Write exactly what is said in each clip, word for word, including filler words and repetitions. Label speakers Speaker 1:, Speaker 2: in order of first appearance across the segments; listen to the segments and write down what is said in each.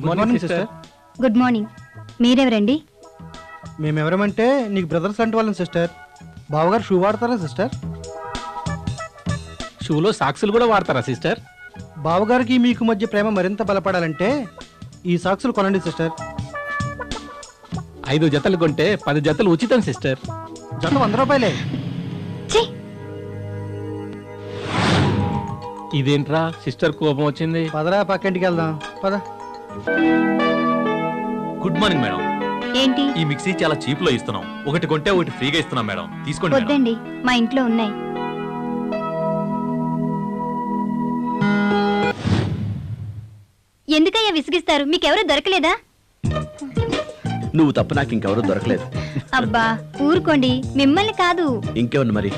Speaker 1: Good morning sister.
Speaker 2: Good morning. మీరెవరండి?
Speaker 3: మేమెవరమంటే నీకు బ్రదర్స్ అంటే వాళ్ళని సిస్టర్. బావగారు షూ వాడతారా సిస్టర్?
Speaker 1: షూలో సాక్సులు కూడా వాడతారా సిస్టర్?
Speaker 3: బావగారికి మీకు మధ్య ప్రేమ మరింత బలపడాలంటే ఈ సాక్సులు కొనండి సిస్టర్.
Speaker 1: ఐదు జతలు కొంటే పది జతలు ఉచితం సిస్టర్.
Speaker 3: జత వంద రూపాయలే.
Speaker 2: ఛీ!
Speaker 1: ఇదేంట్రా సిస్టర్ కోపం వచ్చింది?
Speaker 3: పదరా పక్కింటికి వెళ్దాం పద.
Speaker 4: Good morning madam.
Speaker 2: ఏంటి?
Speaker 4: ఈ మిక్సీ చాలా చీప్ లో ఇస్తున్నాం. ఒకటి కొంటే ఒకటి ఫ్రీగా ఇస్తున్నాం మేడం. తీసుకోండి మేడం.
Speaker 2: వద్దండి, మా ఇంట్లో ఉన్నాయి. ఎందుకయ్యా విసిగిస్తారు? మీకెవరూ దొరకలేదా?
Speaker 5: నువ్వు తప్ప నాకు ఇంకెవరూ దొరకలేదు.
Speaker 2: అబ్బా ఊరుకోండి, మిమ్మల్ని కాదు.
Speaker 5: ఇంకేమన్నా మరి?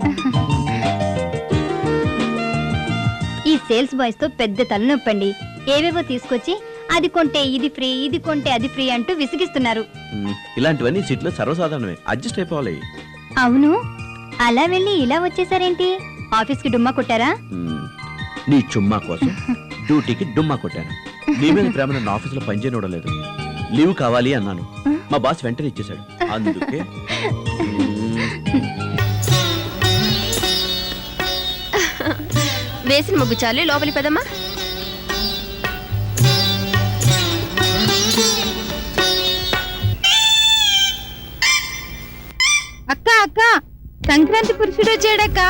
Speaker 2: ఈ సేల్స్ బాయ్స్ తో పెద్ద తలనొప్పండి. ఏవేవో తీసుకొచ్చి అది కొంటే ఇది ఫ్రీ, ఇది కొంటే అది ఫ్రీ అంటూ విసిగిస్తున్నారు.
Speaker 5: ఇలాంటివన్నీ సిటీలో సర్వసాధారణమే. అడ్జస్ట్ అయిపోవాలి.
Speaker 2: అవును, అలా వెళ్ళి ఇలా వచ్చేసారేంటి? ఆఫీస్ కి డుమ్మా కొట్టారా?
Speaker 5: నీ చుమ్మా కోసం డ్యూటీకి డుమ్మా కొట్టాను. నీ మీద ప్రేమ నన్ను ఆఫీసులో పనిచేయడం లేదు. లీవ్ కావాలి అన్నాను, మా బాస్ వెంటనే ఇచ్చేశాడు. అందుకే
Speaker 6: వేసిన ముగ్గు చాలు, లోపలి పదమ్మా.
Speaker 7: అక్క అక్క సంక్రాంతి పురుషుడు వచ్చాడక్క.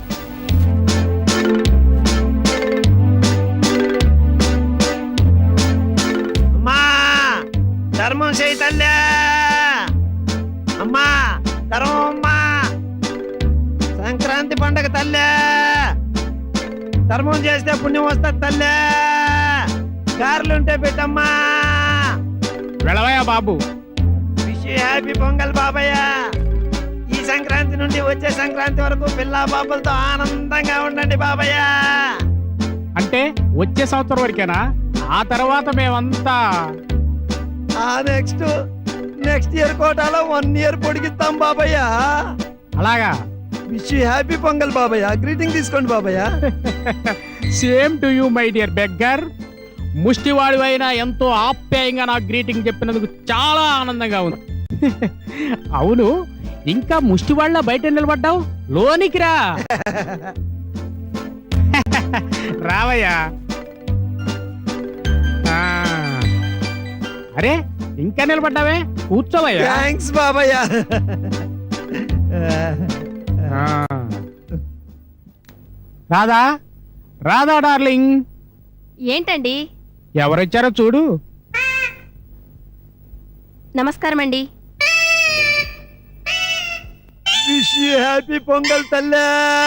Speaker 8: అమ్మా ధర్మం చేయతల్లా. అమ్మా ధర్మం అమ్మా. సంక్రాంతి పండగ తల్లే. ధర్మం చేస్తే పుణ్యం వస్తుంది తల్లే. గారెలుంటే పెట్టమ్మా.
Speaker 1: వెళ్ళవయ్యా బాబు.
Speaker 8: విష్ యూ హ్యాపీ పొంగల్ బాబయ్య. ఈ సంక్రాంతి నుండి వచ్చే సంక్రాంతి వరకు పిల్లా బాబులతో ఆనందంగా ఉండండి బాబయ్య.
Speaker 1: అంటే వచ్చే సంవత్సరం వరకేనా? ఆ తర్వాత మేమంతా
Speaker 8: ఆ నెక్స్ట్ నెక్స్ట్ ఇయర్ కోటాలో వన్ ఇయర్ పొడిగిస్తాం బాబయ్య.
Speaker 1: అలాగా?
Speaker 8: విష్ యూ హ్యాపీ పొంగల్ బాబయ్య. గ్రీటింగ్ తీసుకోండి బాబయ్య.
Speaker 1: Same to you my dear beggar. ముష్టివాడి అయినా ఎంతో ఆప్యాయంగా నాకు గ్రీటింగ్ చెప్పినందుకు చాలా ఆనందంగా ఉంది. అవును, ఇంకా ముష్టివాళ్ళ బయట నిలబడ్డావు, లోనికి రా. రావయ్యా. అరే ఇంకా నిలబడ్డావే, కూర్చోవయ్యా.
Speaker 8: థ్యాంక్స్ బాబయ్య.
Speaker 1: రాధా, రాధా డార్లింగ్.
Speaker 6: ఏంటండి?
Speaker 1: ఎవరొచ్చారో చూడు.
Speaker 6: నమస్కారం అండి.
Speaker 8: విష్ యూ హ్యాపీ పొంగల్ తల్లా.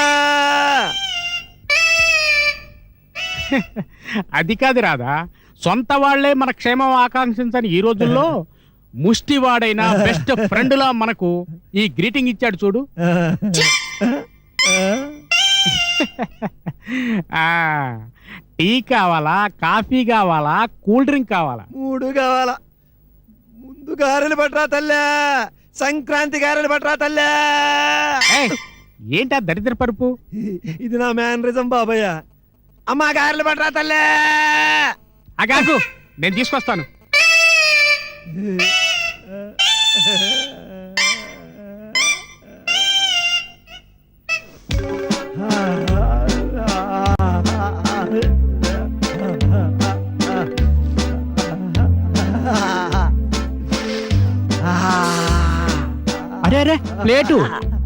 Speaker 1: అది కాదు రాధా, సొంత వాళ్లే మన క్షేమం ఆకాంక్షించని ఈ రోజుల్లో ముష్టివాడైనా బెస్ట్ ఫ్రెండ్ లా మనకు ఈ గ్రీటింగ్ ఇచ్చాడు చూడు. ఆ టీ కావాలా, కాఫీ కావాలా, కూల్ డ్రింక్ కావాలా?
Speaker 8: మూడు కావాలా. ముందు గారెలు పట్టరా తల్లా. సంక్రాంతి గారెలు పట్టరా తల్లా.
Speaker 1: ఏంటా దరిద్ర పరుపు?
Speaker 8: ఇది నా మేనరిజం బాబయ్య. అమ్మా గారెలు పట్టరా తల్లా.
Speaker 1: అగాకు, నేను తీసుకొస్తాను. అరే అరే ప్లేటు.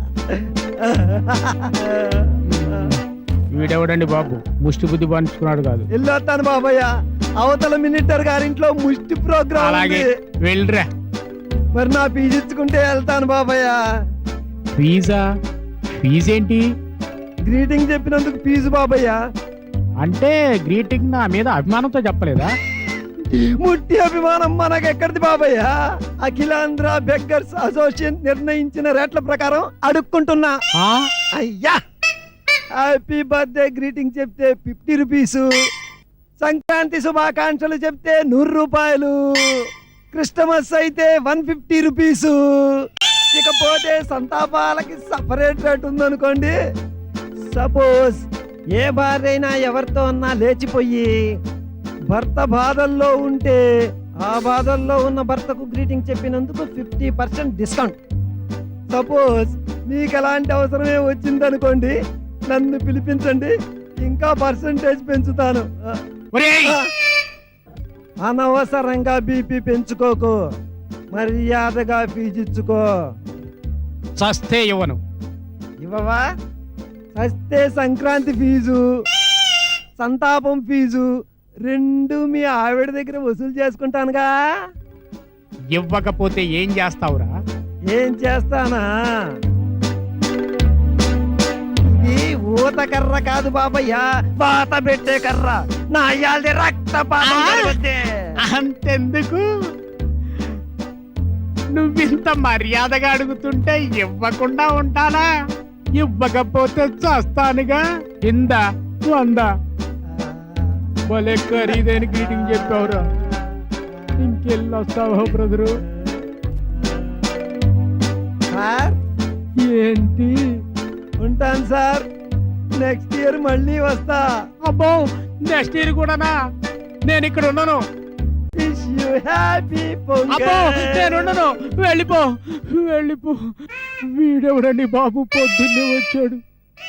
Speaker 1: వీడెవడండి బాబు, ముష్టి బుద్ధి పంచుకున్నాడు కాదు.
Speaker 8: వెళ్ళొస్తాను బాబయ్య. అవతల మినిస్టర్ గారింట్లో ముష్టి ప్రోగ్రామ్.
Speaker 1: అలాగే వెళ్ళరా.
Speaker 8: మరి నా ఫీజు ఇచ్చుకుంటే వెళ్తాను బాబయ్య.
Speaker 1: ఫీజా? ఫీజేంటి?
Speaker 8: గ్రీటింగ్ చెప్పినందుకు ఫీజు బాబయ్య.
Speaker 1: అంటే గ్రీటింగ్ నా మీద అభిమానంతో చెప్పలేదా?
Speaker 8: ముట్టి అభిమానం మనకెక్కడిది బాబయ్య. అఖిలాంధ్ర బెగ్గర్స్ అసోసియేషన్ నిర్ణయించిన రేట్ల ప్రకారం అడుక్కుంటున్నా. అయ్యా, హ్యాపీ బర్త్డే గ్రీటింగ్ చెప్తే ఫిఫ్టీ రూపీసు, సంక్రాంతి శుభాకాంక్షలు చెప్తే నూరు రూపాయలు, క్రిస్టమస్ అయితే వన్ ఫిఫ్టీ రూపీసు. ఇకపోతే సంతాపాలకి సపరేట్ రేట్ ఉందనుకోండి. సపోజ్ ఏ భార్య అయినా ఎవరితో అన్నా లేచిపోయి భర్త బాధల్లో ఉంటే ఆ బాధల్లో ఉన్న భర్తకు గ్రీటింగ్ చెప్పినందుకు ఫిఫ్టీ పర్సెంట్ డిస్కౌంట్. సపోజ్ మీకు ఎలాంటి అవసరమే వచ్చిందనుకోండి, నన్ను పిలిపించండి, ఇంకా పర్సంటేజ్ పెంచుతాను.
Speaker 1: ఒరేయ్!
Speaker 8: అనవసరంగా బీపీ పెంచుకోకు, మర్యాదగా ఫీజు ఇచ్చుకో.
Speaker 1: చస్తే ఇవ్వను.
Speaker 8: ఇవ్వవా? సస్తే సంక్రాంతి ఫీజు, సంతాపం ఫీజు రెండు మీ ఆవిడ దగ్గర వసూలు చేసుకుంటానుగా.
Speaker 1: ఇవ్వకపోతే ఏం చేస్తావురా?
Speaker 8: ఏం చేస్తానా? ఇది ఊత కర్ర కాదు బాబయ్య, వాత పెట్టే కర్ర. నా అయ్యాల్ది రక్తపాతం
Speaker 1: ఆ!
Speaker 8: జరుగుద్ది.
Speaker 1: అంతెందుకు, నువ్వింత మర్యాదగా అడుగుతుంటే ఇవ్వకుండా ఉంటానా? ఇవ్వకపోతే చస్తానుగా. కింద వంద భలే ఖరీదైన గ్రీటింగ్ చెప్పావురా. ఇంకెళ్ళొస్తావా బ్రదరు?
Speaker 8: సార్
Speaker 1: ఏంటి?
Speaker 8: ఉంటాను సార్, నెక్స్ట్ ఇయర్ మళ్ళీ వస్తా.
Speaker 1: అబ్బో, నెక్స్ట్ ఇయర్ కూడానా? నేను ఇక్కడ ఉన్నాను.
Speaker 8: విష్ యు హ్యాపీ
Speaker 1: అబ్బో, నేను ఉండను. వెళ్ళిపో, వెళ్ళిపో. వీడెవడండి బాబు, పొద్దున్నే వచ్చాడు.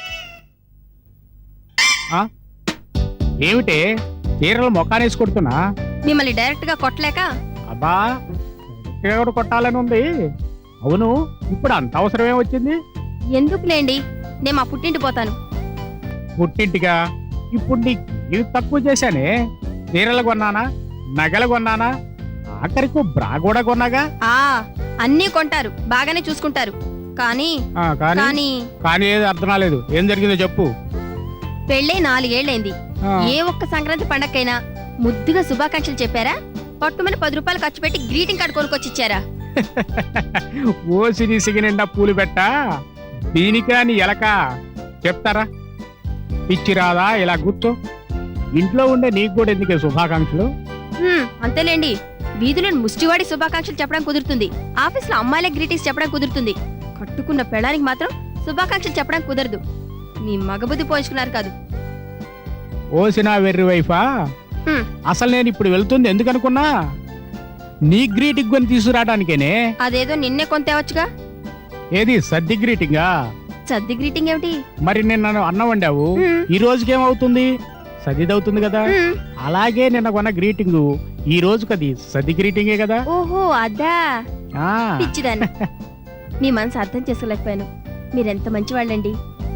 Speaker 1: ఆ? ఏమిటే చీరలు మొఖానేసి కొడుతున్నా?
Speaker 6: మిమ్మల్ని డైరెక్ట్ గా కొట్టలేక
Speaker 1: అబ్బా, ఎవడు కొట్టాలని ఉంది. అవును, ఇప్పుడు అంత అవసరమే వచ్చింది?
Speaker 6: ఎందుకులేండి, నేను మా పుట్టింటి పోతాను.
Speaker 1: పుట్టింటిగా? ఇప్పుడు నీకు ఏమి తక్కువ చేశానే? చీరలు కొన్నానా, నగలు కొన్నానా, ఆఖరికి బ్రా కూడా కొన్నాగా.
Speaker 6: ఆ అన్నీ కొంటారు, బాగానే చూసుకుంటారు. కానీ
Speaker 1: ఆ, కానీ
Speaker 6: కానీ
Speaker 1: కానీ ఏది అర్థం కాలేదు. ఏం జరిగిందో చెప్పు.
Speaker 6: పెళ్ళే నాలుగేళ్లైంది.
Speaker 1: ఆ.
Speaker 6: ఏ ఒక్క సంక్రాంతి పండక్కైనా ముద్దుగా శుభాకాంక్షలు చెప్పారా? పట్టుమని పది రూపాయలు ఖర్చు పెట్టి గ్రీటింగ్ కార్డు కొనుక్కొచ్చి ఇచ్చారా?
Speaker 1: ఓసి నిసిగి నిండా పూలు పెట్టా, దీనికా నీ ఎలక చెప్తారా? పిచ్చి రాదా? ఇలా కూర్చో. ఇంట్లో ఉండే నీకు కూడా ఎందుకే శుభాకాంక్షలు?
Speaker 6: హ్మ్, అంతేలేండి. వీధిలో ముష్టివాడి శుభాకాంక్షలు చెప్పడం కుదురుతుంది, ఆఫీస్ లో అమ్మాయిల గ్రీటింగ్స్ చెప్పడం కుదురుతుంది. కట్టుకున్న పెళ్ళానికి మాత్రం శుభాకాంక్షలు చెప్పడం కుదరదు. మీ మగబుద్ధి పోయించుకున్నారు కాదు.
Speaker 1: ఓసిన వెర్రి వైఫా,
Speaker 6: హ్మ్,
Speaker 1: అసలు నేను ఇప్పుడు వెళ్తుంది ఎందుకనుకున్నా? నీ గ్రీటింగ్ కొని తీసుకురావడానికేనే.
Speaker 6: అదేదో నిన్నే కొంతేవచ్చుగా.
Speaker 1: ఏది సర్ది గ్రీటింగా?
Speaker 6: సర్ది గ్రీటింగ్ ఏమిటి?
Speaker 1: మరి నిన్న అన్నం వండావు,
Speaker 6: హ్మ్,
Speaker 1: ఈ రోజుకేమవుతుంది? సదిదవుతుంది కదా.
Speaker 6: హ్మ్.
Speaker 1: అలాగే నిన్న కొన్న గ్రీటింగ్ ఈ రోజుకి అది సది గ్రీటింగే కదా.
Speaker 6: ఓహో అదా,
Speaker 1: ఆ
Speaker 6: పిచ్చిదాన్ని. మీ మనసు అర్థం చేసుకోలేకపోయాను. మీరెంత మంచివాళ్ళండి.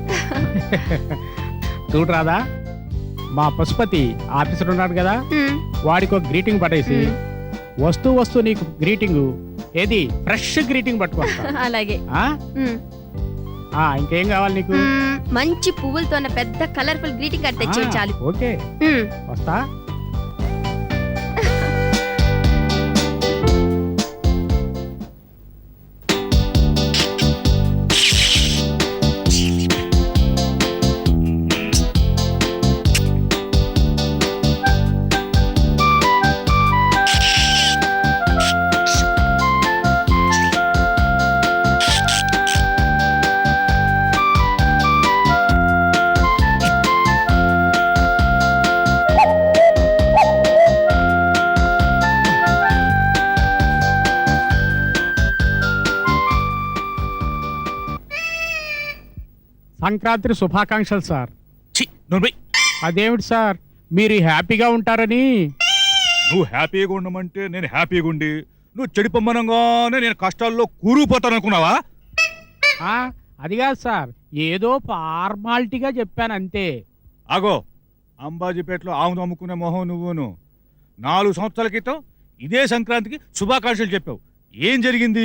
Speaker 1: చూడరాదా, మా పశుపతి ఆఫీసర్ ఉన్నాడు కదా,
Speaker 6: హ్మ్,
Speaker 1: వాడికి ఒక గ్రీటింగ్ పట్టేసి
Speaker 6: హ్మ్.
Speaker 1: వస్తూ వస్తూ నీకు గ్రీటింగ్ ఏది ఫ్రెష్ గ్రీటింగ్ పట్టుకొస్తా.
Speaker 6: అలాగే.
Speaker 1: ఆ?
Speaker 6: హ్మ్,
Speaker 1: ఆ, ఇంకేం కావాలి నీకు?
Speaker 6: హ్మ్, మంచి పువ్వులతో ఉన్న పెద్ద కలర్ఫుల్ గ్రీటింగ్ కార్డు తెచ్చే
Speaker 1: ఆ,
Speaker 6: చాలు.
Speaker 1: ఓకే,
Speaker 6: హ్మ్.
Speaker 1: వస్తా. సంక్రాంతి శుభాకాంక్షలు సార్.
Speaker 9: ఛీ, నువ్వు పోయ్.
Speaker 1: అదేమిటి సార్, మీరు హ్యాపీగా ఉంటారని.
Speaker 9: నువ్వు హ్యాపీగా ఉండమంటే నేను హ్యాపీగా ఉండి, నువ్వు చెడిపోమ్మనంగానే నేను కష్టాల్లో కూరుకుపోతాను అనుకున్నావా?
Speaker 1: ఆ, అది కాదు సార్, ఏదో ఫార్మాలిటీగా చెప్పాను అంతే.
Speaker 9: ఆగో, అంబాజీపేటలో ఆమె అమ్ముకునే మొహం నువ్వును. నాలుగు సంవత్సరాల క్రితం ఇదే సంక్రాంతికి శుభాకాంక్షలు చెప్పావు. ఏం జరిగింది?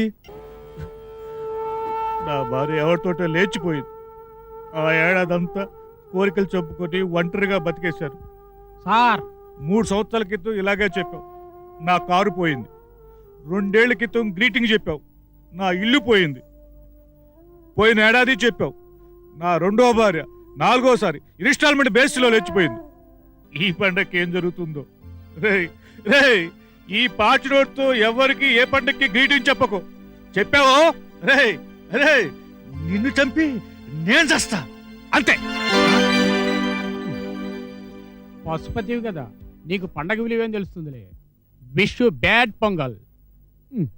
Speaker 9: నా భార్య ఎవరితోటో లేచిపోయింది. ఆ ఏడాదంతా కోరికలు చెప్పుకొని ఒంటరిగా బతికేశారు.
Speaker 1: సార్,
Speaker 9: మూడు సంవత్సరాల క్రితం ఇలాగే చెప్పావు, నా కారు పోయింది. రెండేళ్ల క్రితం గ్రీటింగ్ చెప్పావు, నా ఇల్లు పోయింది. పోయిన ఏడాది చెప్పావు, నా రెండో భార్య నాలుగోసారి ఇన్స్టాల్మెంట్ బేస్లో లేచిపోయింది. ఈ పండగకి ఏం జరుగుతుందో? రేయ్ రేయ్, ఈ పాచి నోట్తో ఎవరికి ఏ పండగకి గ్రీటింగ్ చెప్పకు. చెప్పావో రేయ్ రేయ్, నిన్ను చంపి నేను చేస్తా అంతే.
Speaker 1: పశుపతివి కదా, నీకు పండగ విలువేం తెలుస్తుందిలే. Wish you bad Pongal. Um.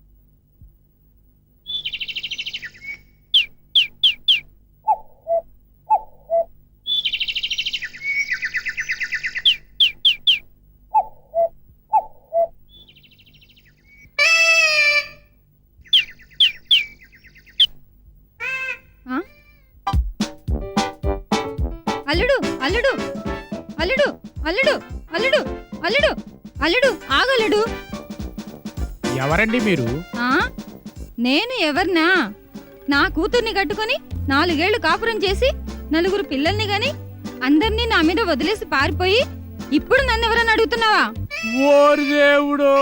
Speaker 7: అల్లుడు అల్లుడు అల్లుడు అల్లుడు అల్లుడు అల్లుడు అల్లుడు ఆగల్లుడు.
Speaker 1: ఎవరండి మీరు?
Speaker 7: ఆ నేను ఎవర్నా? నా కూతుర్ని కట్టుకొని నాలుగేళ్లు కాపురం చేసి నలుగురు పిల్లల్ని గాని అందరినీ నా మీద వదిలేసి పారిపోయి ఇప్పుడు నన్ను ఎవరని అడుగుతున్నావా?
Speaker 1: ఓరి దేవుడు,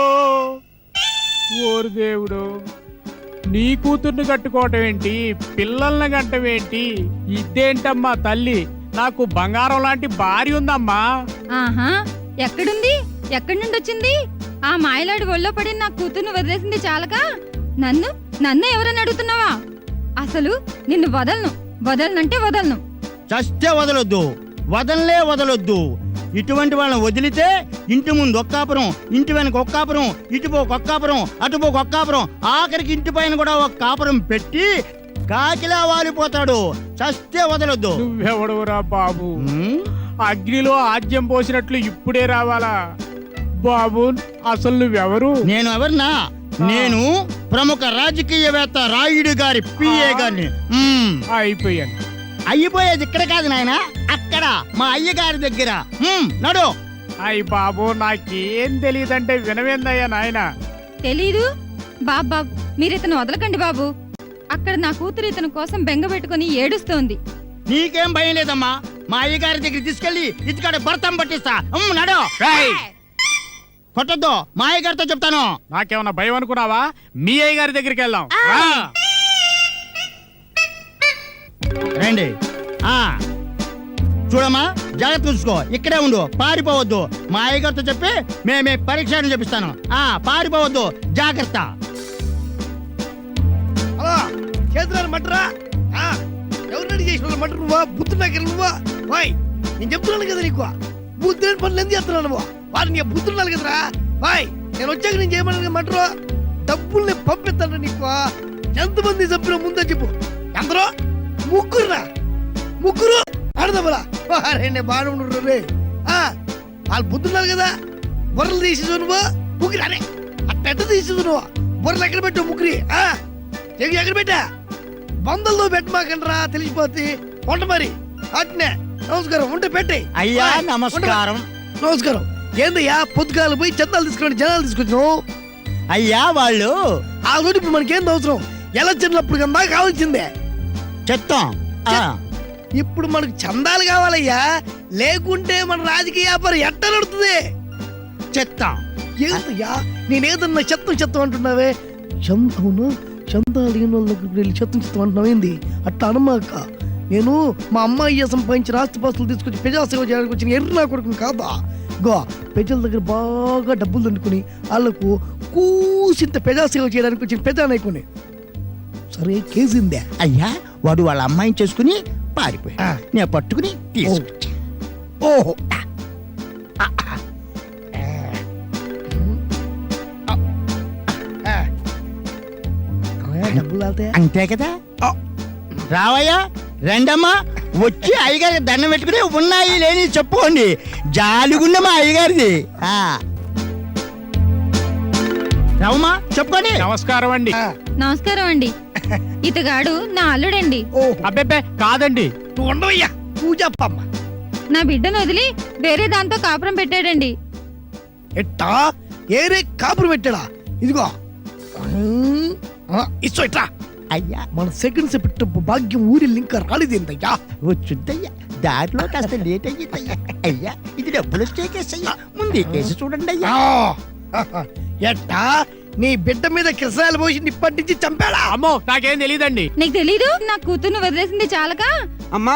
Speaker 1: ఓరి దేవుడు, నీ కూతుర్ని కట్టుకోవటం ఏంటి, పిల్లల్ని కట్టవేంటి? ఇదేంటమ్మా తల్లి, నాకు బంగారం లాంటి భార్య ఉందమ్మా.
Speaker 7: ఆహా ఎక్కడుంది? ఎక్కడి నుండి వచ్చింది? ఆ మాయలాడి ఒళ్ళో పడి నా కూతుర్ని వదిలేసింది చాలక నన్ను నన్ను ఎవరని అడుగుతున్నావా? అసలు నిన్ను వదలను, వదలనంటే వదలను.
Speaker 10: చస్తే వదలొద్దు, వదలలే వదలొద్దు. ఇటువంటి వాళ్ళని వదిలితే ఇంటి ముందు ఒక్కాపురం, ఇంటి వెనక ఒక్కాపురం, ఇటుపోక ఒక్కాపురం, అటుపోక ఒక్కాపురం, ఆఖరికి ఇంటి పైన కూడా ఒక కాపురం పెట్టి కాకిలా వాలిపోతాడు. చస్తే వదలొద్దు.
Speaker 1: నువ్వెవడవురా బాబు?
Speaker 10: ఉమ్,
Speaker 1: అగ్నిలో ఆజ్యం పోసినట్లు ఇప్పుడే రావాలా? బాబు అసలు నువ్వెవరు?
Speaker 10: నేను ఎవరినా? నేను ప్రముఖ రాజకీయవేత్త రాయుడు గారి పిఏ గారిని. ఉమ్,
Speaker 1: అయిపోయాను.
Speaker 10: అయిపోయేది ఇక్కడ కాదు నాయన, అక్కడ మా అయ్య గారి దగ్గర. ఉమ్, నడు.
Speaker 1: అయ్యి బాబు నాకేం తెలియదంటే వినవేందయ్యా నాయన.
Speaker 7: తెలీదు? బాబ్ బాబ్ మీరు ఇతను వదలకండి బాబు. అక్కడ నా కూతురు ఇతని కోసం బెంగ పెట్టుకుని ఏడుస్తోంది.
Speaker 10: నీకేం భయం లేదమ్మా, మా అయ్య గారి దగ్గర తీసుకెళ్లి ఇటుకాడ భర్తం పట్టిస్తా. ఉమ్, నడు.
Speaker 1: రేయ్!
Speaker 10: కొట్టద్దు, మా అయ్య గారితో చెప్తాను.
Speaker 1: నాకేమన్నా భయం అనుకున్నావా? మీ అయ్య గారి దగ్గరికి వెళ్దాం. రా.
Speaker 10: రండి. ఆ చూడమ్మా, జాగ్రత్త చూసుకో, ఇక్కడే ఉండు, పారిపోవద్దు. మా అయ్య గారితో చెప్పి మేమే పరీక్ష చెప్పిస్తాను. ఆ పారిపోవద్దు, జాగ్రత్త.
Speaker 8: అలా చేతులను మటరా. ఎవరు రెడీ చేసిన వాళ్ళు మటర్ నువ్వా? బుద్ధి దగ్గర నువ్వా? వాయ్ నేను చెప్తున్నాను కదా నీకు, బుద్ధి లేని పనులు ఎందుకు చేస్తున్నావు నువ్వు? వారిని నీ బుద్ధి ఉండాలి కదరా. వాయ్ నేను వచ్చాక నేను చేయమని మటరు డబ్బుల్ని పంపిస్తాను నీకు. ఎంతమంది సభ్యులు ముందే చెప్పు. ఎందరో? ముగ్గురురా, ముగ్గురు ఆడదమ్మరా. వారే బాగా ఉండరు రే. వాళ్ళు బుద్ధి ఉండాలి కదా. బుర్రలు తీసేసు నువ్వు ముగ్గురు. అరే అట్ట తీసేసు నువ్వు. బుర్రలు ఎక్కడ పెట్టావు ముగ్గురి? చెవి ఎక్కడ పెట్టా? బందల్లో పెట్టమాకండ్రా, తెలిసిపోతే వంట మరి. అట్నే నమస్కారం ఉంటే పెట్టే.
Speaker 10: అయ్యా నమస్కారం.
Speaker 8: నమస్కారం. ఏందయ్యా పొద్దుగాలు పోయి చందాలు తీసుకుని జనాలు తీసుకొచ్చినావు?
Speaker 10: అయ్యా వాళ్ళు
Speaker 8: ఆ రోజు ఇప్పుడు మనకేం అవసరం? ఎలా చిన్నప్పుడు కన్నా కావాల్సిందే
Speaker 10: చెత్తం. ఆ,
Speaker 8: ఇప్పుడు మనకు చందాలు కావాలయ్యా, లేకుంటే మన రాజకీయ వ్యాపారం ఎట్ట నడుతుంది?
Speaker 10: చెత్తం.
Speaker 8: ఏందయ్యా నేనేదన్నా చెత్తం చెత్తం అంటున్నావే? చంద అవును చందాలు లేని వాళ్ళ దగ్గరికి వెళ్ళి చెత్తం చెత్తం అంటున్నావు ఏంది? అట్లా అనమాక. నేను మా అమ్మాయి సంపాదించిన ఆస్తిపాస్తులు తీసుకొచ్చి ప్రజాసేవ చేయడానికి వచ్చిన ఎర్ర నా కొడుకుని కాదా. గో ప్రజల దగ్గర బాగా డబ్బులు దండుకుని వాళ్ళకు కూసింత ప్రజాసేవ చేయడానికి వచ్చిన ప్రజానాయకుని. సరే కేసిందే.
Speaker 10: అయ్యా వాడు వాళ్ళ అమ్మాయిని చేసుకుని పారిపోయా,
Speaker 8: ఆ.
Speaker 10: నేను పట్టుకుని తీసుకొచ్చా.
Speaker 8: ఓహో డబ్బులు అవుతాయా?
Speaker 10: అంతే కదా. రావయ్యా, రెండమ్మా, వచ్చి అయ్యగారి దండం పెట్టుకుని ఉన్నాయి లేని చెప్పుకోండి. జాలిగుండ మా అయ్యగారిది. ఆ. రావమ్మా చెప్పుకోండి.
Speaker 1: నమస్కారం అండి.
Speaker 7: నమస్కారం అండి. ఇతగాడు నా అల్లుడండి.
Speaker 8: ఓహో
Speaker 1: అబ్బెబ్బే కాదండి.
Speaker 8: నువ్వు ఉండవయ్యా, నువ్వు చెప్పమ్మ.
Speaker 7: నా బిడ్డను వదిలి వేరే దాంతో కాపురం పెట్టాడండి.
Speaker 8: ఎట్టా ఏరే కాపురు పెట్టాడా? ఇదిగో ఇచ్చో ఇట్లా.
Speaker 10: అయ్యా
Speaker 8: మన సెకండ్స్ పెట్ట భాగ్యం ఊరిల్లు ఇంకా రాలేదేందయ్యా?
Speaker 10: వచ్చుద్దయ్యా, దారిలో కాస్త లేట్ అయ్యిందయ్యా. అయ్యా ఇది డబ్బులు వచ్చే కేసు అయ్యా, ముందే కేసు చూడండి అయ్యా.
Speaker 8: ఆ, ఎట్టా నీ బిడ్డ మీద కిరసాయలు పోసి నిప్పటి నుంచి చంపాడా?
Speaker 1: అమ్మో నాకేం తెలియదండి.
Speaker 7: నీకు తెలీదు? నా కూతుర్ని వదిలేసింది చాలక
Speaker 3: అమ్మా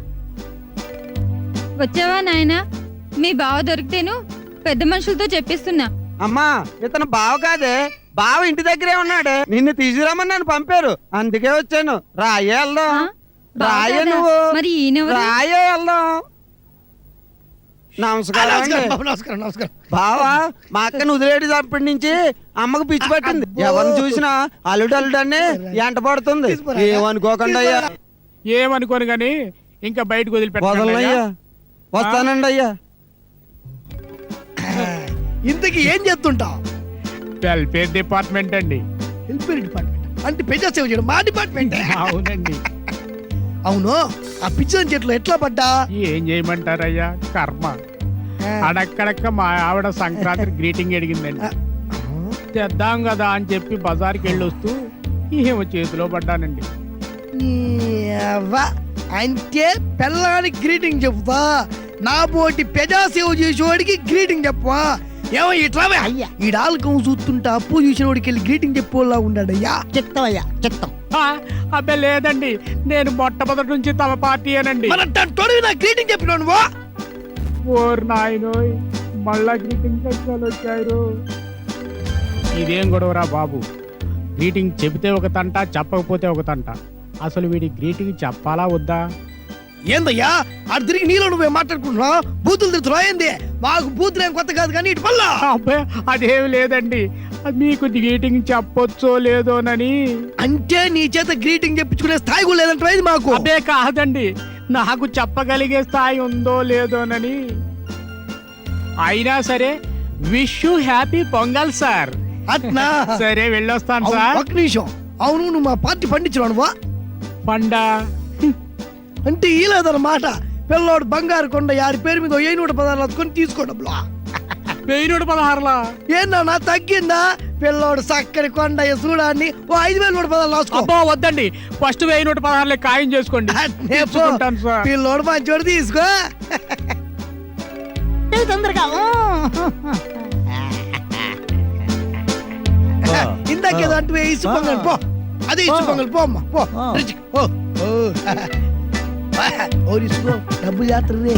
Speaker 7: వచ్చావా నాయనా? మీ బావ దొరికితేను పెద్ద మనుషులతో చెప్పిస్తున్నా.
Speaker 3: అమ్మా ఇతను బావ కాదే, బావ ఇంటి దగ్గరే ఉన్నాడే. నిన్ను తీసుకురామని నన్ను పంపారు, అందుకే వచ్చాను. రాయే
Speaker 7: ఆ?
Speaker 3: వెళ్దాం.
Speaker 7: బావ
Speaker 3: రాయే
Speaker 7: కాదా?
Speaker 3: నువ్వు
Speaker 7: మరి ఈయనెవరు?
Speaker 3: రాయే వెళ్దాం. నమస్కారం అండి.
Speaker 8: నమస్కారం నమస్కారం
Speaker 3: బావా మా అక్కని వదిలేటప్పటి నుంచి అమ్మకు పిచ్చి పట్టింది. ఎవరిని చూసినా అల్లుడు అల్లుడు అని ఎంట పడుతుంది. ఏమనుకోకండి అయ్యా.
Speaker 1: ఏమనుకోను గాని ఇంకా బయటకు వదిలిపెట్టాను
Speaker 3: వదలనయ్యా. వస్తానండి అయ్యా.
Speaker 8: ఇంతకీ ఏం చేస్తుంటావు?
Speaker 1: వెల్ఫేర్ డిపార్ట్మెంట్ అండి.
Speaker 8: వెల్ఫేర్ డిపార్ట్మెంట్ అంటే పెద్ద సేవ చేయడం మా డిపార్ట్మెంట్.
Speaker 1: అవునండి.
Speaker 8: అవును, ఆ పిచ్చిన చెట్లు ఎట్లా పడ్డా?
Speaker 1: ఏం చేయమంటారయ్యా, కర్మ. అడక్కడక్క మా ఆవిడ సంక్రాంతి గ్రీటింగ్ అడిగిందండి. చేద్దాం కదా అని చెప్పి బజార్కి వెళ్ళి వస్తూ ఏమో చేతిలో పడ్డానండి.
Speaker 8: నీ అవ్వ, అంటే పిల్లానికి గ్రీటింగ్ చెప్తా, నా పోటీ పెజా సేవ చేసేవాడికి గ్రీటింగ్ చెప్పవా? ఏమో ఇట్లా ఈ డాల్కం చూస్తుంటే అప్పు చూసిన వాడికి వెళ్ళి గ్రీటింగ్ చెప్పేలా ఉన్నాడయ్యా.
Speaker 10: చెప్తావయ్యా చెప్తాం.
Speaker 1: ఆ, అబ్బే లేదండి, నేను మొట్టమొదటి నుంచి తమ పార్టీ అనండి.
Speaker 8: నా గ్రీటింగ్ చెప్పినాను.
Speaker 1: ఓర్ నాయనోయ్, మళ్ళా గ్రీటింగ్ కష్టాలు వచ్చారు. ఇదేం గొడవరా బాబు, గ్రీటింగ్ చెబితే ఒక తంట, చెప్పకపోతే ఒక తంట. అసలు వీడి గ్రీటింగ్ చెప్పాలా వద్దా?
Speaker 8: ఏందయ్యా అటు తిరిగి నీలో నువ్వే మాట్లాడుకుంటున్నావు? బూతులు తిరుగుతున్నా ఏంది? మాకు బూతులు ఏం కొత్త కాదు కానీ ఇటు పల్లా.
Speaker 1: అబ్బే అదేమి లేదండి, మీకు గ్రీటింగ్ చెప్పొచ్చో లేదోనని.
Speaker 8: అంటే నీ చేత గ్రీటింగ్ చెప్పించుకునే స్థాయి కూడా లేదంటే మాకు.
Speaker 1: అదే కాదండి, నాకు చెప్పగలిగే స్థాయి ఉందో లేదోనని. అయినా సరే wish you happy Pongal sir.
Speaker 8: అట్నా?
Speaker 1: సరే వెళ్ళొస్తాను సార్.
Speaker 8: ఒక నిమిషం, అవును నువ్వు మా పార్టీ పండించు.
Speaker 1: పండా
Speaker 8: అంటే ఈ లేదన్నమాట. పిల్లోడు బంగారు కొండ యారి పేరు మీద ఏ నూట పదార్లు అతుకొని తీసుకోవడం.
Speaker 1: వెయ్యి నూట పదహారులా
Speaker 8: ఏందన్నా తగ్గిందా? పిల్లోడు చక్కని కొండ చూడాన్ని ఓ ఐదు వేల నూట పదాలు రాసుకో.
Speaker 1: అబ్బో వద్దండి, ఫస్ట్ వెయ్యి నూట పదహారులే ఖాయం చేసుకోండి. తీసుకుంటాను సార్.
Speaker 8: పిల్లోడు మంచోడు తీసుకో.
Speaker 10: తొందరగా
Speaker 8: ఇందాకేదో అంటే ఇసు పొంగల్ పో, అదే ఇసు పొంగల్ పో అమ్మా పో. ఓ ఓ ఇసుకో, డబ్బు జాతర రే.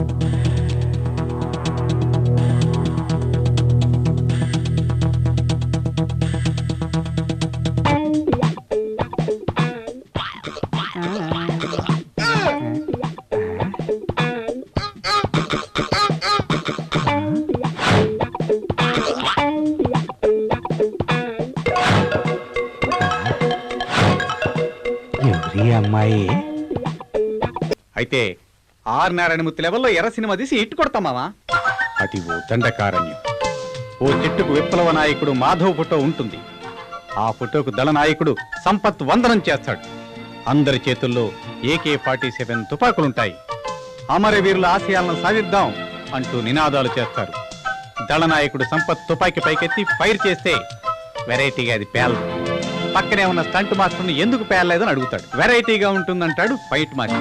Speaker 3: అమ్మాయి
Speaker 11: అయితే ఆర్ నారాయణమూర్తి లెవెల్లో ఎర్ర సినిమా తీసి ఇట్టు కొడతామావా? అది ఓ దండకారణ్యం. ఓ చెట్టుకు విప్లవ నాయకుడు మాధవ్ ఫోటో ఉంటుంది. ఆ ఫోటోకు దళ నాయకుడు సంపత్ వందనం చేస్తాడు. అందరి చేతుల్లో ఏకే ఫార్టీ సెవెన్ తుపాకులుంటాయి. అమరవీరుల ఆశయాలను సాధిద్దాం అంటూ నినాదాలు చేస్తారు. దళ నాయకుడు సంపత్ తుపాకీ పైకెత్తి ఫైర్ చేస్తే వెరైటీగా అది పేలదు. పక్కనే ఉన్న స్టంట్ మాస్టర్ని ఎందుకు పేలలేదని అడుగుతాడు. వెరైటీగా ఉంటుందంటాడు ఫైట్ మాస్టర్.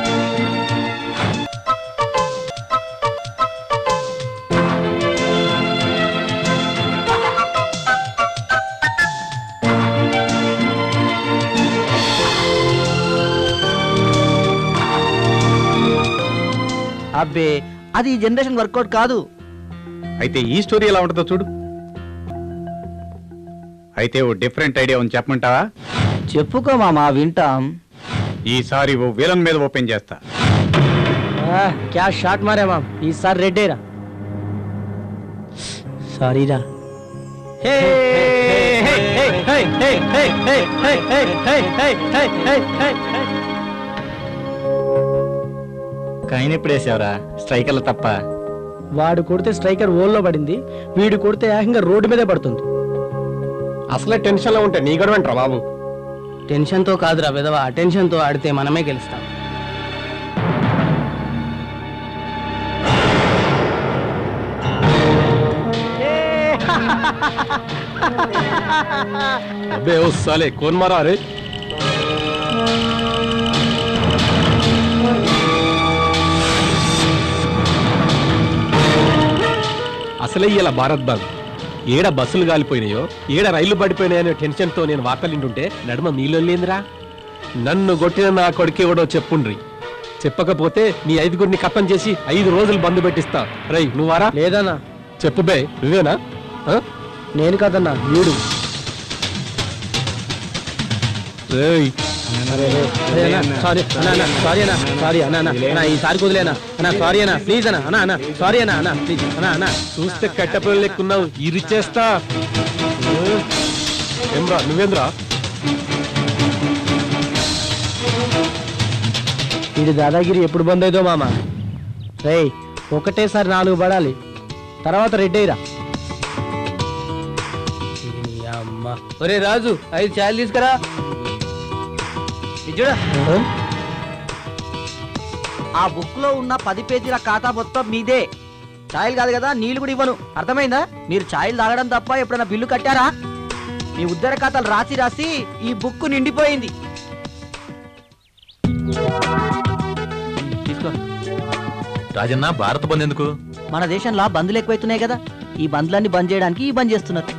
Speaker 3: అబ్బే అది ఈ జనరేషన్ వర్కౌట్ కాదు.
Speaker 11: అయితే ఈ స్టోరీ ఎలా ఉంటుందో చూడు. అయితే ఓ డిఫరెంట్ ఐడియా ఉంది, చెప్పమంటావా?
Speaker 3: చెప్పుకో మామా, వింటాం.
Speaker 11: ఈసారి ఓ విలన్ మీద ఓపెన్ చేస్తా.
Speaker 3: క్యా షాట్ మారే మామ్, ఈసారి రెడ్డేరా. సారీరా.
Speaker 10: కాయన ఎప్పుడేసావరా? స్ట్రైకర్లు తప్ప.
Speaker 3: వాడు కొడితే స్ట్రైకర్ ఓల్లో పడింది, వీడు కొడితే ఏకంగా రోడ్డు మీదే పడుతుంది.
Speaker 10: అసలే టెన్షన్ లో ఉంటే నీ గొడవ అంటారా బాబు?
Speaker 3: టెన్షన్ తో కాదురా విధవ, అటెన్షన్ తో ఆడితే మనమే గెలుస్తాం.
Speaker 10: అబ్బే ఓ సాలే కోన్ మారా రే. అసలే ఇలా భారత్ బాగ్ ఏడ బస్సులు గాలిపోయినాయో ఏడ రైళ్లు పడిపోయినాయనే టెన్షన్ తో నేను వార్తలింటుంటే నడుమ మీలో లేదురా. నన్ను కొట్టిన నా కొడుకు ఎవడో చెప్పుండ్రి. చెప్పకపోతే నీ ఐదుగురిని కప్పం చేసి ఐదు రోజులు బంద్ పెట్టిస్తా. రై నువ్వారా?
Speaker 3: లేదన్నా.
Speaker 10: చెప్పు బే, నువ్వేనా?
Speaker 3: నేను కదన్నా, వీడు.
Speaker 10: రేయ్
Speaker 8: సారీ అన్నా అన్న సారీ అన్న సారీ అన్న అన్న అన్న ఈసారి కుదిలేనా అన్న సారీ అన్న ప్లీజ్ అన్న అన్న అన్న సారీ అన్న అన్న ప్లీజ్ అన్న అన్న చూస్తే కట్టపల్లి లెక్కున్నావు ఇరిచేస్తా ఏమ్రా నువ్వేంద్రా ఇది దాదాగిరి ఎప్పుడు బంద్ అయిదో మామ రేయ్ ఒకటేసారి నాలుగు పడాలి తర్వాత రెడ్ అయ్యిరా అమ్మా ఒరే రాజు ఐదు చాయలు తీసుకురా చూడ
Speaker 3: ఆ బుక్ లో ఉన్న పది పేజీల ఖాతా మొత్తం మీదే. ఛాయలు కాదు కదా, నీళ్లు కూడా ఇవ్వను. అర్థమైందా? మీరు ఛాయలు తాగడం తప్ప ఎప్పుడైనా బిల్లు కట్టారా? మీ ఉద్దర ఖాతాలు రాసి రాసి ఈ బుక్ నిండిపోయింది.
Speaker 4: తీసుకో రాజన్న. భారత బంద్ ఎందుకు?
Speaker 3: మన దేశంలో బంద్లు ఎక్కువైతున్నాయి కదా, ఈ బంద్లన్నీ బంద్ చేయడానికి ఈ బంద్ చేస్తున్నారు.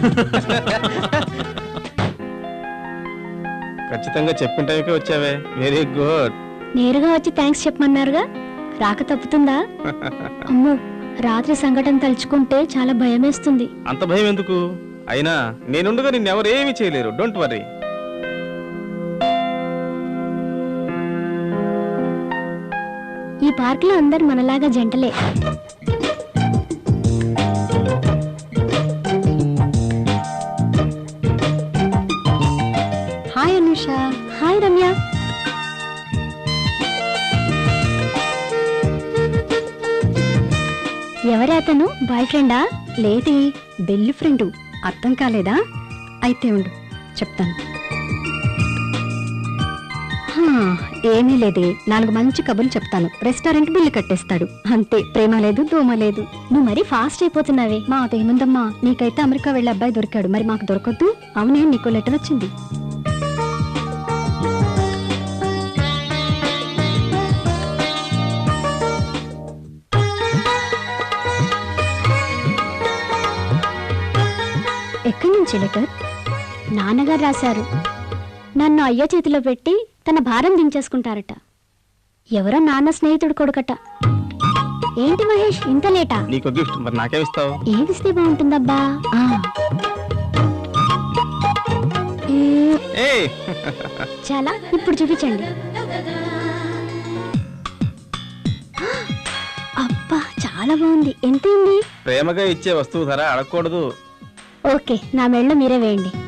Speaker 8: ఖచ్చితంగా చెప్పిన టైంకే వచ్చావే, వెరీ గుడ్.
Speaker 2: నేరుగా వచ్చి థ్యాంక్స్ చెప్పమన్నారుగా, రాక తప్పుతుందా? అమ్మో, రాత్రి సంఘటన తలుచుకుంటే చాలా భయమేస్తుంది.
Speaker 8: అంత భయం ఎందుకు? అయినా నేనుండగా నిన్నెవరేమీ చేయలేరు, డోంట్ వర్రీ.
Speaker 2: ఈ పార్క్ లో అందరు మనలాగా జంటలే. హాయ్ అనుష. హాయ్ రమ్య. ఎవరే అతను? బాయ్ ఫ్రెండా? లేది, బెల్లి ఫ్రెండు. అర్థం కాలేదా? అయితే ఉండు చెప్తాను. హా, ఏమీ లేదే, నాలుగు మంచి కబుర్లు చెప్తాను, రెస్టారెంట్ బిల్లు కట్టేస్తాడు. అంతే, ప్రేమ లేదు దోమ లేదు. నువ్వు మరీ ఫాస్ట్ అయిపోతున్నావే. మా అదేముందమ్మా, నీకైతే అమెరికా వెళ్ళే అబ్బాయి దొరికాడు, మరి మాకు దొరకద్దు? అవునే, నీకు లెటర్ వచ్చింది. ఎక్కడి నుంచి లెటర్? నాన్నగారు రాశారు. నన్ను అయ్య చేతిలో పెట్టి తన భారం దించేసుకుంటారట. ఎవరో నాన్న స్నేహితుడు కొడుకట. ఏంటి మహేష్, ఇంత లేటా?
Speaker 8: నీకు గిఫ్ట్, మరి నాకేమిస్తావు?
Speaker 2: ఏమిస్తే బాగుంటుందబ్బా? ఆ. ఏ, చాలా, ఇప్పుడు చూపించండి. అబ్బా, చాలా బాగుంది. ఎంతైంది?
Speaker 8: ప్రేమగా ఇచ్చే వస్తువు ధర అడగకూడదు.
Speaker 2: ఓకే, నా మెళ్ళ మీరే వేయండి.